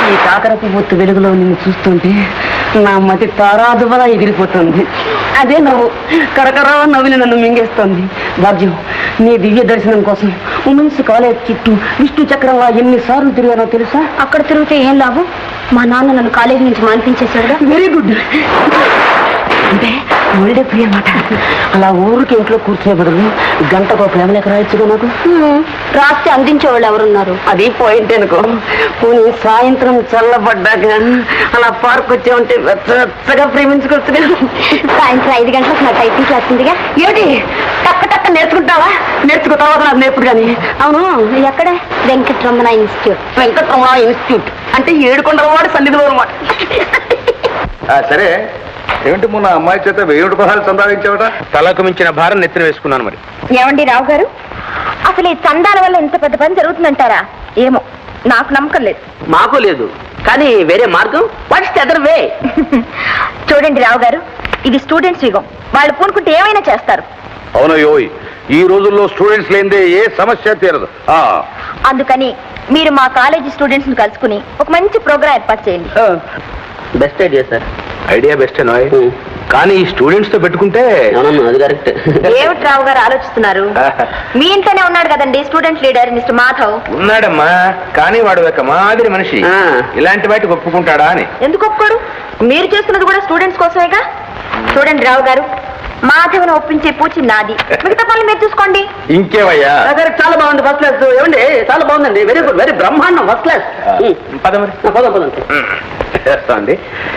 ఈ కాకరపు బొత్తు వెలుగులో నిన్ను చూస్తుంటే నా మతి తారాదువలా ఎగిరిపోతుంది. అదే నవ్వు కరకరా నవ్వుని నన్ను మింగేస్తుంది. భాగ్యం, నీ దివ్య దర్శనం కోసం ఉమెన్స్ కాలేజ్ చుట్టూ విష్ణు చక్రంలా ఎన్నిసార్లు తిరిగానో తెలుసా? అక్కడ తిరిగితే ఏం లాభం? మా నాన్న నన్ను కాలేజీ నుంచి మానిపించేశాడుగా. Very good. అంటే ఒళ్ళే ప్రియ మాట. అలా ఊరికి ఇంట్లో కూర్చునే బదులు గంటకు ప్రేమలేక రాయొచ్చుగా నాకు. రాస్తే అందించేవాళ్ళు ఎవరున్నారు? అది పాయింట్ అనుకో. పోనీ సాయంత్రం చల్లబడ్డాక అలా పార్క్ వచ్చే ఉంటే వెచ్చగా ప్రేమించుకోవచ్చుగా. సాయంత్రం 5 గంటలకు నా టైపింగ్ క్లాస్ ఉందిగా. ఏమిటి టక్క టక్క నేర్చుకుంటావా? నేర్చుకుంటావా నాకు నేర్పుడు కానీ. అవును, ఎక్కడ? వెంకటరమణ ఇన్స్టిట్యూట్. వెంకటరమణ ఇన్స్టిట్యూట్ అంటే ఏడుకొండలవాడు సన్నిధిలో అనమాట. సరే, ఏమిటి మొన్న అమ్మాయి చేత 1000 రూపాయలు సంపాదించావట? తలకు మించిన భారం నెత్తిన వేసుకున్నాను. మరి ఏమండి రావు గారు, అసలు ఈ చందాల వల్ల ఇంత పెద్ద పని జరుగుతుందంటారా? ఏమో, నాకు నమ్మకం లేదు. మాకు లేదు, కానీ వేరే మార్గం. What's the other way? చూడండి రావు గారు, ఇది స్టూడెంట్స్ యుగం. వాళ్ళు పూనుకుంటే ఏమైనా చేస్తారు. అవునయ్యోయ్, ఈ రోజుల్లో స్టూడెంట్స్ లేనిదే ఏ సమస్య తీరదు. అందుకని మీరు మా కాలేజీ స్టూడెంట్స్ ని కలుసుకుని ఒక మంచి ప్రోగ్రాం ఏర్పాటు చేయండి. Best idea sir. Idea best నాయ్, కానీ ఈ స్టూడెంట్స్ తో పెట్టుకుంటే. అది కరెక్ట్. ఏమిటి రావు గారు ఆలోచిస్తున్నారు? మీ ఇంట్లోనే ఉన్నాడు కదండి స్టూడెంట్ లీడర్ మిస్టర్ మాధవ్. ఉన్నాడమ్మా, కానీ వాడు ఒక మాదిరి మనిషి. ఇలాంటి వాటికి ఒప్పుకుంటాడా అని. ఎందుకు ఒప్పుకోడు? మీరు చేస్తున్నది కూడా స్టూడెంట్స్ కోసమేగా. చూడండి రావు గారు, మాధవ్ను ఒప్పించే పూచి నాది. మిగతా పనులు మీరు చూసుకోండి. ఇంకేవయ్యా? చాలా బాగుంది, ఫస్ట్ క్లాస్. ఏమండి, చాలా బాగుందండి. వెరీ గుడ్, వెరీ బ్రహ్మాండం, ఫస్ట్ క్లాస్. పద మరి. పదండి. చేస్తాండి.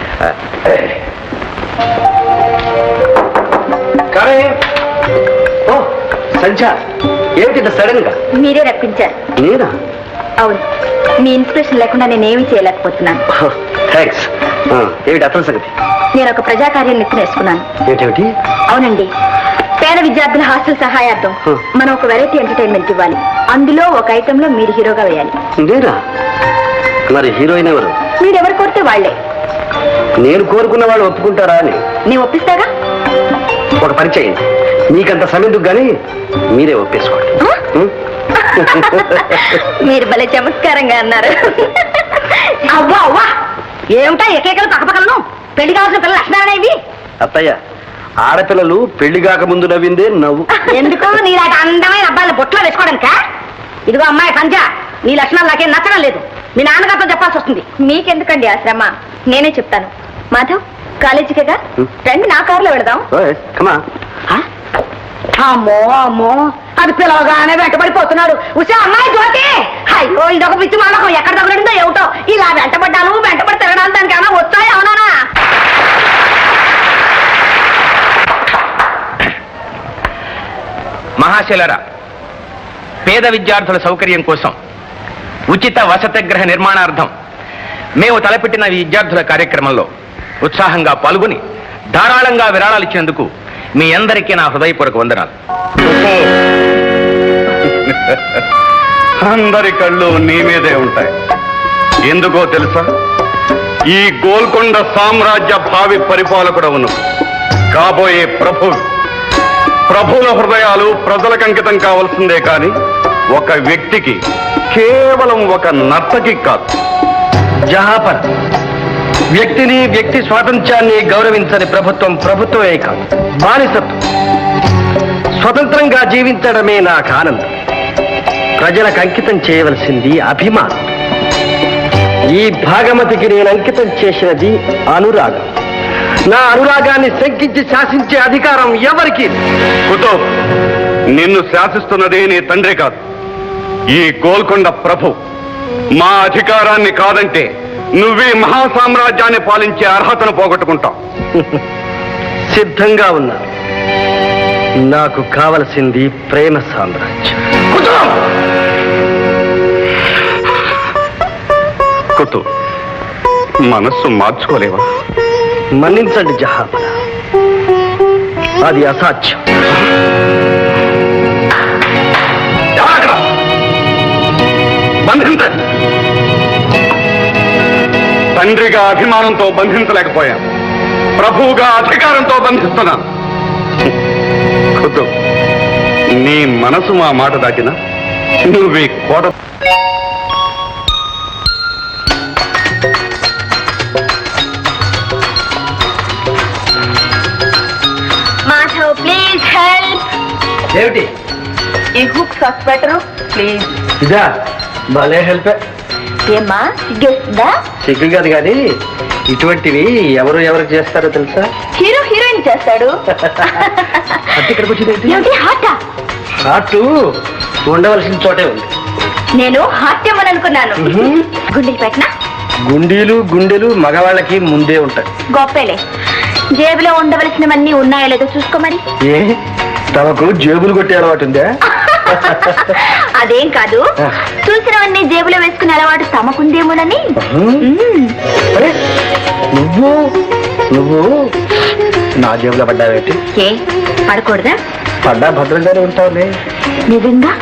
సంధ్య, ఏమిటి సడన్ గా? మీరే రప్పించారు. నేనా? అవును, మీ ఇన్స్పిరేషన్ లేకుండా నేనేమీ చేయలేకపోతున్నాను. థ్యాంక్స్. ఏమిటి అసలు సంగతి? నేను ఒక ప్రజాకార్యం నెత్తినేసుకున్నాను. ఏంటేమిటి? అవునండి, పేద విద్యార్థుల హాస్టల్ సహాయార్థం మనం ఒక వెరైటీ ఎంటర్టైన్మెంట్ ఇవ్వాలి. అందులో ఒక ఐటెంలో మీరు హీరోగా వేయాలి. నేనా? మరి హీరోయిన్ ఎవరు? మీరెవరు కోరితే వాళ్లే. నేను కోరుకున్న వాళ్ళు ఒప్పుకుంటారా అని? నేను ఒప్పిస్తాగా. ఒక పని చేయండి, మీకంత సమయందుకు కానీ మీరే ఒప్పేసుకోండి. మీరు భలే చమత్కారంగా అన్నారు. అవ్వా అవ్వా, ఏమిటా ఎకేకలు పక్కపక్కలను? పెళ్లి కావాల్సిన పిల్లలు లక్షణాలనే ఇవి. అత్తయ్య, ఆడపిల్లలు పెళ్లి కాక ముందు నవ్విందే నవ్వు. ఎందుకు నీలాంటి అందమైన అబ్బాయిల బొట్లో వేసుకోవడానికా? ఇదిగో అమ్మాయి సంజ, నీ లక్షణాలు నాకేం నచ్చడం లేదు. మీ నాన్నగారితో చెప్పాల్సి వస్తుంది. మీకెందుకండి ఆ శ్రమ? నేనే చెప్తాను. మాధవ్, కాలేజీకేగా రండి, నా కారులో వెళదాం. అమ్మో అమ్మో, అది పిలవగానే వెంటబడిపోతున్నాడు. ఉసే అమ్మాయి జ్యోతి, అయ్యో ఇదొక పిచ్చి మానకం. ఎక్కడ తగలడిందో ఏమిటో. ఇలా వెంటబడ్డాను, వెంటబడి తిరగడానికి దానికి ఏమైనా వచ్చాయి? అవునా? మహాశైలరా, పేద విద్యార్థుల సౌకర్యం కోసం ఉచిత వసతిగృహ నిర్మాణార్థం మేము తలపెట్టిన ఈ విద్యార్థుల కార్యక్రమంలో ఉత్సాహంగా పాల్గొని ధారాళంగా విరాళాలు ఇచ్చినందుకు మీ అందరికీ నా హృదయపూర్వక వందనాలు. అందరి కళ్ళు నీ మీదే ఉంటాయి. ఎందుకో తెలుసా? ఈ గోల్కొండ సామ్రాజ్య భావి పరిపాలకుడవును కాబోయే ప్రభువుల హృదయాలు ప్రజలకు అంకితం కావాల్సిందే కాని ఒక వ్యక్తికి, కేవలం ఒక నర్తకి కాదు. జహాపర్, వ్యక్తిని, వ్యక్తి స్వాతంత్ర్యాన్ని గౌరవించని ప్రభుత్వమే కాదు, బానిసత్వం. స్వతంత్రంగా జీవించడమే నాకు ఆనందం. ప్రజలకు అంకితం చేయవలసింది అభిమానం. ఈ భాగమతికి నేను అంకితం చేసినది అనురాగం. నా అనురాగాన్ని శంకించి శాసించే అధికారం ఎవరికి? కుతుబ్, నిన్ను శాసిస్తున్నది నీ తండ్రి కాదు, ఈ గోల్కొండ ప్రభు. మా అధికారాన్ని కాదంటే నువ్వే మహాసామ్రాజ్యాన్ని పాలించే అర్హతను పోగొట్టుకుంటావు. సిద్ధంగా ఉన్నా. నాకు కావలసింది ప్రేమ సామ్రాజ్యం. కుతుబ్, మనస్సు మార్చుకోలేవా? మన్నించండి జహాపన, అది అసాధ్యం. బంధించండి. తండ్రిగా అభిమానంతో బంధించలేకపోయాను, ప్రభువుగా అధికారంతో బంధిస్తున్నాను. కుతుబ్, నీ మనసు మా మాట దాటినా నువ్వే కోట ఏమిటి ఈ హుక్ సాస్ పెట్టరు ప్లీజ్. ఇదా భలే హెల్ప్. ఏమ్మా సిగ్గేస్తుందా? సిగ్గు కాదు కానీ ఇటువంటివి ఎవరికి చేస్తారో తెలుసా? హీరో హీరోయిన్ చేస్తాడు. అంటే ఇక్కడికి వచ్చింది ఏమిటి హార్టా? హార్ట్ ఉండవలసిన చోటే ఉంది. నేను హాస్యమని అనుకున్నాను. గుండెలు పెట్టినా? గుండెలు మగవాళ్ళకి ముందే ఉంటాయి. గొప్పలే. జేబులో ఉండవలసినవన్నీ ఉన్నాయో లేదో చూసుకో మరి. ఏ తమకు జేబులు కొట్టే అలవాటు ఉందా? అదేం కాదు, చూసినవన్నీ జేబులో వేసుకునే అలవాటు తమకుందేమోనని. అరే నువ్వు నా జేబులో పడ్డావేంటి? ఏ పడకూడదా? పడ్డా భద్రంగానే ఉంటావులే. నిజంగా?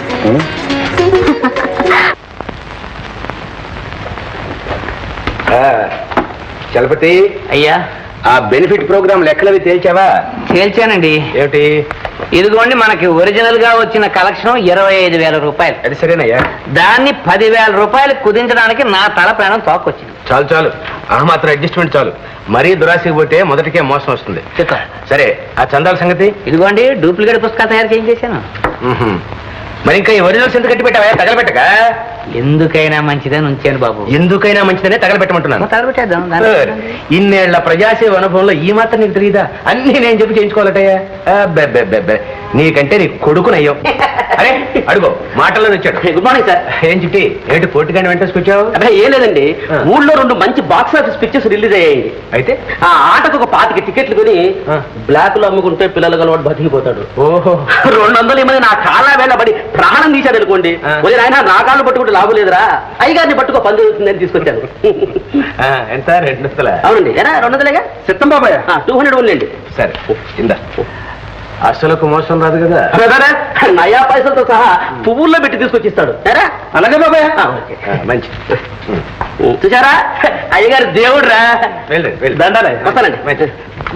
చలపతి అయ్యా, ఆ బెనిఫిట్ ప్రోగ్రామ్ లెక్కలవి తేల్చావా? తేల్చానండి. ఏమిటి? ఇదిగోండి మనకి ఒరిజినల్ గా వచ్చిన కలెక్షన్ 25,000 రూపాయలు. అది సరేనయ్యా. దాన్ని 10,000 రూపాయలు కుదించడానికి నా తల ప్రాణం తోకొచ్చింది. చాలు ఆ మాత్రం అడ్జస్ట్మెంట్ చాలు. మరీ దురాశకి పోతే మొదటికే మోసం వస్తుంది. సరే ఆ చందాల సంగతి? ఇదిగోండి డూప్లికేట్ పుస్తకాలు తయారు చేయించేశాను. మరి ఇంకా ఈ ఒరిజినల్స్ ఎంత కట్టి పెట్టావా? తగలబెట్టక. ఎందుకైనా మంచిదని ఉంచాను బాబు. ఎందుకైనా మంచిదనే తగలబెట్టమంటున్నాను. తగలబెట్టేద్దాం. ఇన్నేళ్ల ప్రజాసేవ అనుభవంలో ఈ మాత్రం నీకు తెలియదా? అన్ని నేను చెప్పి చేయించుకోవాలటయ్యా. నీకంటే నీ కొడుకునయ్యో. అరే అడుగో మాటల్లో వచ్చాడు. Good morning sir. ఏం చిట్టి ఏంటి పోటీగానే వెంటేసుకొచ్చావు? అదే ఏం లేదండి, ఊళ్ళో 2 మంచి బాక్స్ ఆఫీస్ పిక్చర్స్ రిలీజ్ అయ్యాయి. అయితే ఆ ఆటకు ఒక 25 టికెట్లు కొని బ్లాక్ లో అమ్ముకుంటే పిల్లలు గలవాడు బతికిపోతాడు. ఓహో 200 మంది నా కాళ్ళ వేళబడి ప్రాణం తీశాడు అనుకోండి. ఆయన నా కాళ్ళు పట్టుకుంటే లాభం లేదురా, అయ్యగారిని పట్టుకో పని జరుగుతుందని తీసుకొచ్చాను. ఎంత 200? అవునండి. ఎరా 200లేగా చిత్తం బాబాయ్. 200 ఉండండి. సరే ఇందా. అసలుకు మోసం రాదు కదా? నయా పైసలతో సహా పువ్వుల్లో పెట్టి తీసుకొచ్చిస్తాడు. ఎరా అలాగే బాబాయ్. మంచి చూసారా, అయ్యగారు దేవుడు రా. వెళ్ళండి దండాలే వస్తానండి.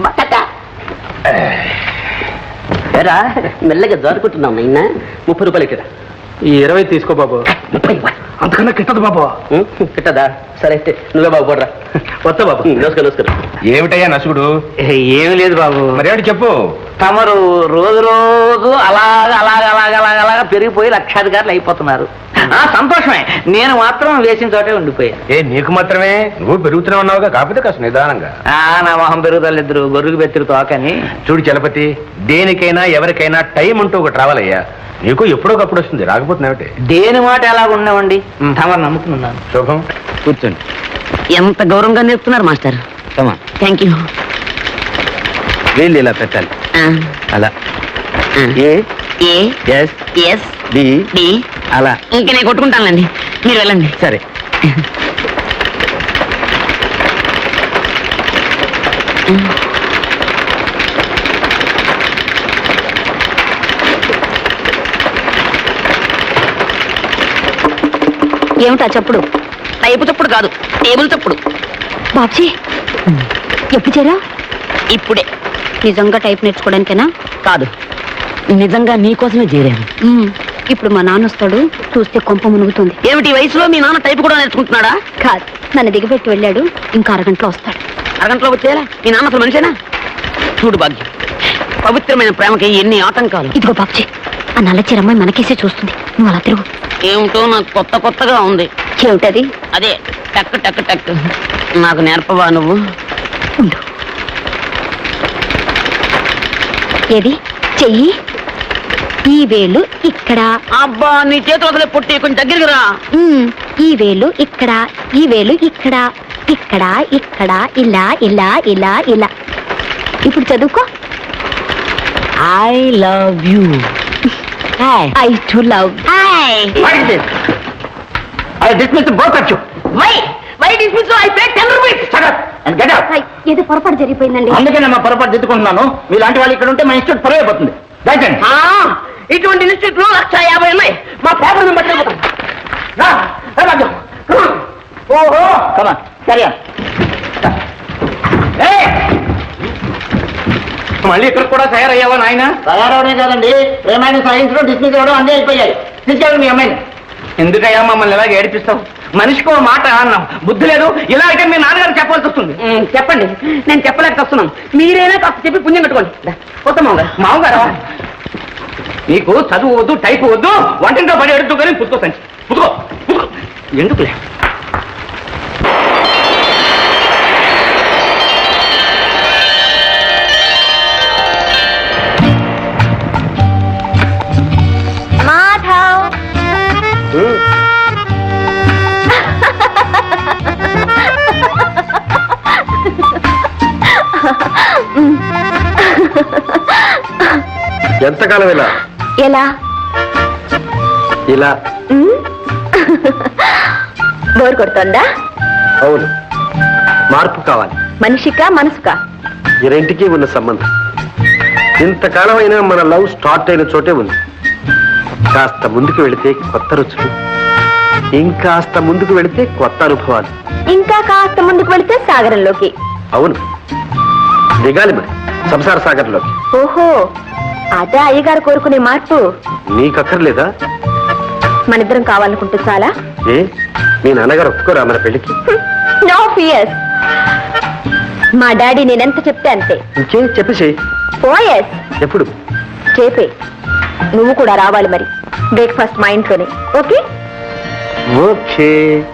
ఎరా మెల్లగా జారుకుంటున్నాం నిన్న 30 రూపాయలు ఇక్కడ. ఈ 20 తీసుకో బాబు. 30 అంతకన్నా కిట్టదు బాబు. కిట్టదా? సరే అయితే నువ్వే బాబు పోడ్రా. వస్తా బాబు. నమస్కారం. ఏమిటయ్యా నసుగుడు? ఏమి లేదు బాబు. మరేమిటి చెప్పు. తమరు రోజు అలాగా పెరిగిపోయి లక్షాధికారులు అయిపోతున్నారు. సంతోషమే. నేను మాత్రం వేసిన చోటే ఉండిపోయాను. నీకు మాత్రమే? నువ్వు పెరుగుతూనే ఉన్నావుగా, కాకపోతే కాస్త నిదానంగా. నా మొహం పెరుగుదలిద్దరు గొర్రెకు బెత్తిరు తోకని. చూడు చలపతి, దేనికైనా ఎవరికైనా టైం అంటూ ఒకటి రావాలయ్యా. నీకు ఎప్పుడోకప్పుడు వస్తుంది, రాకపోతున్నావుటే. దేని మాట ఎలా ఉన్నామండి, తమరు నమ్ముకున్నాను. శుభం. కూర్చోండి. ఎంత గౌరవంగా నేర్పుతున్నారు మాస్టర్. Thank you. వీళ్ళు ఇలా పెట్టాలి. అలా ఎస్ డి డి అలా. ఇంకా నేను కొట్టుకుంటానులేండి, మీరు వెళ్ళండి. సరే. ఏమిటా చప్పుడు? టైపు చప్పుడు కాదు, టేబుల్ చప్పుడు. బాబ్జీ ఎప్పుడు చేరా? ఇప్పుడే. నిజంగా టైప్ నేర్చుకోవడానికేనా? కాదు, నిజంగా నీకోసమే చేరాను. ఇప్పుడు మా నాన్న వస్తాడు, చూస్తే కొంప మునుగుతుంది. ఏమిటి ఈ వయసులో మీ నాన్న టైపు కూడా నేర్చుకుంటున్నాడా? కాదు, నన్ను దిగబెట్టి వెళ్ళాడు. ఇంకా అరగంటలో వస్తాడు. అరగంటలో వచ్చేయాలా? మీ నాన్న అసలు మనిషేనా? చూడు భాగ్యం, పవిత్రమైన ప్రేమకి ఎన్ని ఆటంకాలు. ఇదిగో బాబ్జీ, ఆ నల్ల చీరమ్మాయి మనకేసే చూస్తుంది. నువ్వు అలా తిరుగు. ఏమిటో నాకు కొత్తగా ఉంది. ఏమిటది? అదే టక్ టక్ టక్. నాకు నేర్పవా నువ్వు? ఉండు. ఏది చెయ్యి. ఈ వేలు ఇక్కడ. అబ్బా నీ చేతులు వదిలే పుట్టి కొంచెం దగ్గరికి రా. ఈ వేలు ఇక్కడ, ఈ వేలు ఇక్కడ, ఇక్కడ ఇక్కడ, ఇలా ఇలా ఇలా ఇలా. ఇప్పుడు చదువుకో. I love you. I too love. ఏదో పొరపాటు జరిగిపోయిందండి. అందుకే మా పొరపాటు దిద్దుకుంటున్నాను. మీలాంటి వాళ్ళు ఇక్కడ ఉంటే మా ఇన్స్టిట్యూట్ పరువు అయిపోతుంది. ఇటువంటి ఇన్స్టిట్యూట్లు 150 ఉన్నాయి. మా పేపర్ బట్టి ఓహో కమా సరే. మళ్ళీ ఇక్కడ కూడా తయారయ్యావా నాయన? తయారవడే కాదండి, ప్రేమైన సైన్స్ లో డిస్మిస్ అవ్వడం అన్నీ అయిపోయాయి. తీసుకెళ్ళండి మీ అమ్మాయిని. ఎందుకయ్యా మమ్మల్ని ఎలాగ ఏడిపిస్తావు? మనిషికో మాట అన్నాం, బుద్ధి లేదు. ఇలా అయితే మీ నాన్నగారు చెప్పాల్సి వస్తుంది. చెప్పండి, నేను చెప్పలేక వస్తున్నాను. మీరైనా కాస్త చెప్పి పుణ్యం కట్టుకోండి. మామగారు నీకు చదువు వద్దు టైపు వద్దు వంటింట్లో పడి ఎడుతూ కానీ పుట్టుకో సంచి పుట్టుకో పుట్టుకో ఎందుకులే మాధవ్ ఎంతకాలం ఇలా ఎలా ఇలా బోర్ కొడుతోందా? అవును, మార్పు కావాలి. మనిషికా మనసుకా? ఈ రెంటికి ఉన్న సంబంధం ఇంతకాలం అయినా మన లవ్ స్టార్ట్ అయిన చోటే ఉంది. కాస్త ముందుకు వెళితే కొత్త రుచులు, ఇంకాస్త ముందుకు వెళితే కొత్త అనుభవాలు. ఇంకా కాస్త ముందుకు వెళితే సాగరంలోకి. అవును, దిగాలి మరి సంసార సాగర్లోకి. ఓహో, అదే అయ్యగారు కోరుకునే మార్పు. నీకక్కర్లేదా? మనిద్దరం కావాలనుకుంటే చాలా. ఏ మీ నాన్నగారు ఒప్పుకోరా మన పెళ్లికి? No fears. మా డాడీ నేనెంత చెప్తే అంతే. ఇంకే చెప్పేసేయ్. పోయస్ ఎప్పుడు? చేపే. నువ్వు కూడా రావాలి మరి. బ్రేక్ఫాస్ట్ మా ఇంట్లోనే. Okay okay.